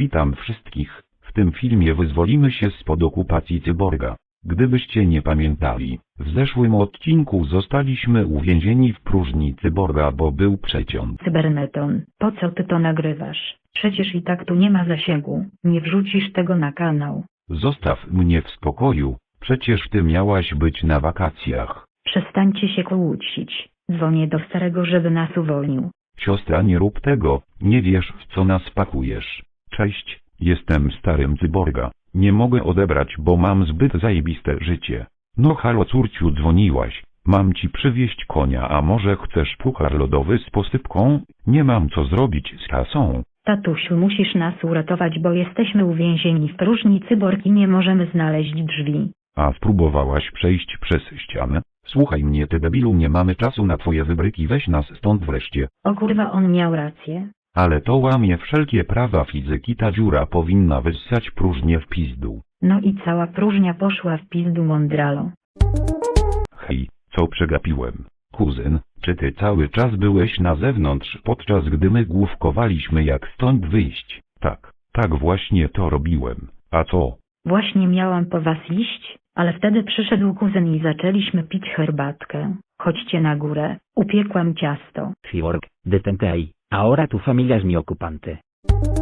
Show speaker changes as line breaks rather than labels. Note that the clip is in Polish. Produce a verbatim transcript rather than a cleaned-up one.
Witam wszystkich, w tym filmie wyzwolimy się spod okupacji cyborga. Gdybyście nie pamiętali, w zeszłym odcinku zostaliśmy uwięzieni w próżni cyborga, bo był przeciąg.
Cyberneton, po co ty to nagrywasz? Przecież i tak tu nie ma zasięgu, nie wrzucisz tego na kanał.
Zostaw mnie w spokoju, przecież ty miałaś być na wakacjach.
Przestańcie się kłócić, dzwonię do starego, żeby nas uwolnił.
Siostra, nie rób tego, nie wiesz, w co nas pakujesz. Cześć, jestem starym cyborga. Nie mogę odebrać, bo mam zbyt zajebiste życie. No halo córciu, dzwoniłaś. Mam ci przywieźć konia, a może chcesz puchar lodowy z posypką? Nie mam co zrobić z kasą.
Tatusiu, musisz nas uratować, bo jesteśmy uwięzieni w próżni cyborg i nie możemy znaleźć drzwi.
A spróbowałaś przejść przez ścianę? Słuchaj mnie, ty debilu, nie mamy czasu na twoje wybryki, weź nas stąd wreszcie.
O kurwa, on miał rację.
Ale to łamie wszelkie prawa fizyki, ta dziura powinna wyssać próżnię w pizdu.
No i cała próżnia poszła w pizdu, mądralo.
Hej, co przegapiłem? Kuzyn, czy ty cały czas byłeś na zewnątrz, podczas gdy my główkowaliśmy, jak stąd wyjść? Tak, tak właśnie to robiłem. A co?
Właśnie miałam po was iść, ale wtedy przyszedł kuzyn i zaczęliśmy pić herbatkę. Chodźcie na górę, upiekłam ciasto.
Cyborg, detente ahí, ahora tu familia es mi ocupante.